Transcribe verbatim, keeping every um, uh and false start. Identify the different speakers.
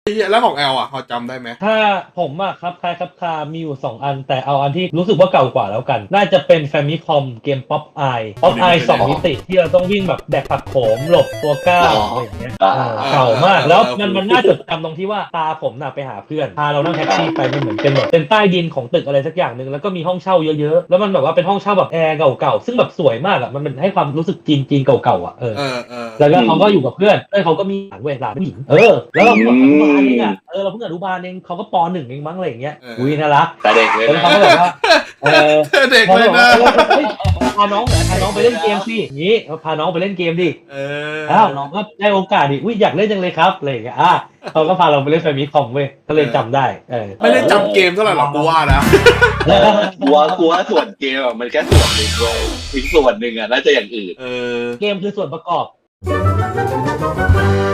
Speaker 1: แล้วของแอลอ่ะพอจำได้ไหม
Speaker 2: ถ้าผมอะครับคล้ายครับคามีอยู่สองอันแต่เอาอันที่รู้สึกว่าเก่ากว่าแล้วกันน่าจะเป็นแฟมิคอมเกมป๊อปไอป๊อปไอสองมิติที่เราต้องวิ่งแบบแดกผักโขมหลบตัวก้าวอะไรอย่างเงี้ยเก่ามากแล้วมันมันน่าจดจำตรงที่ว่าตาผมน่ะไปหาเพื่อนพาเรานั่งแท็กซี่ไปมันเหมือนเป็นแบบเป็นใต้ดินของตึกอะไรสักอย่างหนึ่งแล้วก็มีห้องเช่าเยอะๆแล้วมันแบบว่าเป็นห้องเช่าแบบแอร์เก่าๆซึ่งแบบสวยมากอะมันเป็นให้ความรู้สึกจีนๆเก่าๆอะเออแล้วก็เขาก็อยู่กับเพื่อนเพื่อนเขาก็มีหลานเว้ยหลานผู้หญิงเออแล้วเราเพิ่งอนุบาลเองอะเออเราเพิ่งอนุบาลเองเขาก็ปหนึ่งเองมั้งอะไรอย่างเงี้ยอุ้ยน่ารัก
Speaker 3: แต่เด็กเลย
Speaker 2: แล้วเขาก็แบบว่าเออ
Speaker 1: เด็กเลยนะ
Speaker 2: พาน้องพาน้องไปเล่นเกมสิอย่างงี้พาน้องไปเล่นเกมดิ
Speaker 1: เออ
Speaker 2: อ้าวน้องก็ได้โอกาสดิอุ้ยอยากเล่นจังเลยครับอะไรอย่างเงี้ยอ่ะเขาก็พาเราไปเล่นแฟมิคอมเว้ยก็เลยจำได้เออ
Speaker 1: ไม่ได้จำเกมเท่าไหร่หรอกกูว่านะ
Speaker 3: กลัวกลัวส่วนเกมอ่ะมันแค่ส่วนหนึ่งเลยอีกส่วนหนึ่งอ่ะน่าจะอย่างอื่น
Speaker 2: เกมคือส่วนประกอบ